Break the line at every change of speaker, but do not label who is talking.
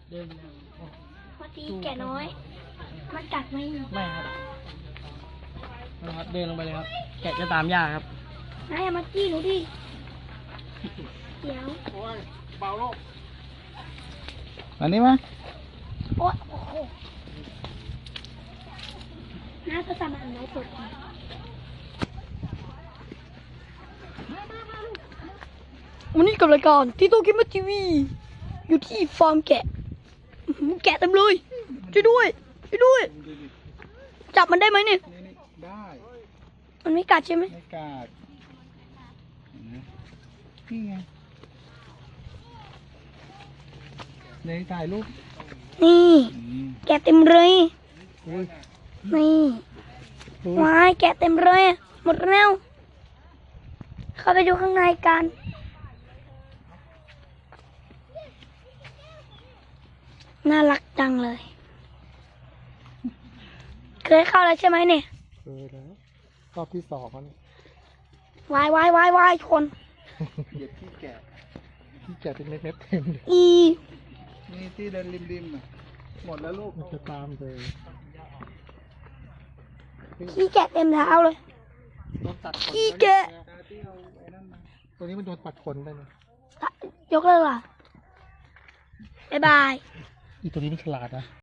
เดินแล้ว
พอดีแกะน้อย มันกัดไหม
ไม่ครับนะครับเดินลงไปเลยครับ แกะจะตามยากครับ
นายมาจี้หนูดิ เดี๋ยว
โอ้ยเบาโลกอันนี้มั้ย
โอ๊ยโอ้โหน้าก็สามารถไลฟ์สดได้วันนี้กับรายการที่โตกิมะทีวี อยู่ที่ฟาร์มแกะอื้อหือแกะเต็มเลยช่วยด้วยช่วยด้วย จับมันได้ไหมเนี่ย
นี่ได้
มันไม่กัดใช่ไหม
ไม่กาดนี่ไงในถ่ายรูป
นี่ แกะเต็มเลย
อุ้ย
นี่
อุ้ย
ว้ายแกะเต็มเลยหมดแล้วเข้าไปดูข้างในกันน่ารักจังเลย เคยเข้าแล้วใช่ไหมเนี่ย
เคยแล้วรอบที่สองมัน
วายวายวายวายชน
เหยียบขี้แกะขี้แกะเป็นเม็ดๆเต็มเลย
อี
นี่ที่เดินริมๆอ่ะหมดแล้วลูกมันจะตามเลย
ขี้แกะเต็มเท้าเลย
โดนตัดขน
ขี้แกะ
ตัวนี้มันโดนตัดขนไปเนี่ย
ยกเลิกล่ะบ๊ายบาย
อีตัวนี้มันฉลาดนะ